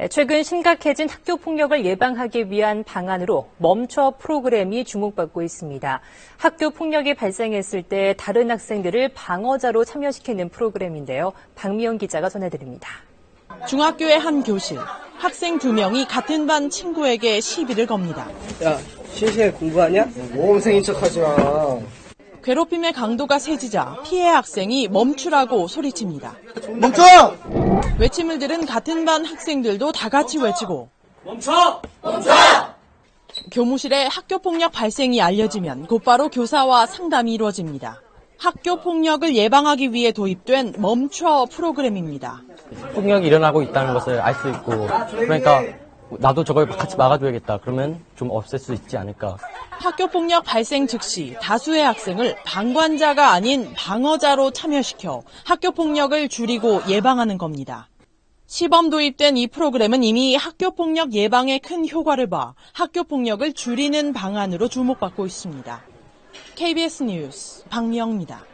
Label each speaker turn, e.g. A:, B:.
A: 최근 심각해진 학교 폭력을 예방하기 위한 방안으로 멈춰 프로그램이 주목받고 있습니다. 학교 폭력이 발생했을 때 다른 학생들을 방어자로 참여시키는 프로그램인데요. 박미영 기자가 전해드립니다.
B: 중학교의 한 교실. 학생 2명이 같은 반 친구에게 시비를 겁니다.
C: 야, 실시간에 공부하냐? 모범생인 척하지 마.
B: 괴롭힘의 강도가 세지자 피해 학생이 멈추라고 소리칩니다.
C: 멈춰!
B: 외침을 들은 같은 반 학생들도 다 같이 외치고
C: 멈춰! 멈춰!
B: 교무실에 학교폭력 발생이 알려지면 곧바로 교사와 상담이 이루어집니다. 학교폭력을 예방하기 위해 도입된 멈춰 프로그램입니다.
D: 폭력이 일어나고 있다는 것을 알 수 있고, 그러니까 나도 저걸 같이 막아줘야겠다. 그러면 좀 없앨 수 있지 않을까.
B: 학교폭력 발생 즉시 다수의 학생을 방관자가 아닌 방어자로 참여시켜 학교폭력을 줄이고 예방하는 겁니다. 시범 도입된 이 프로그램은 이미 학교폭력 예방에 큰 효과를 봐 학교폭력을 줄이는 방안으로 주목받고 있습니다. KBS 뉴스 박미영입니다.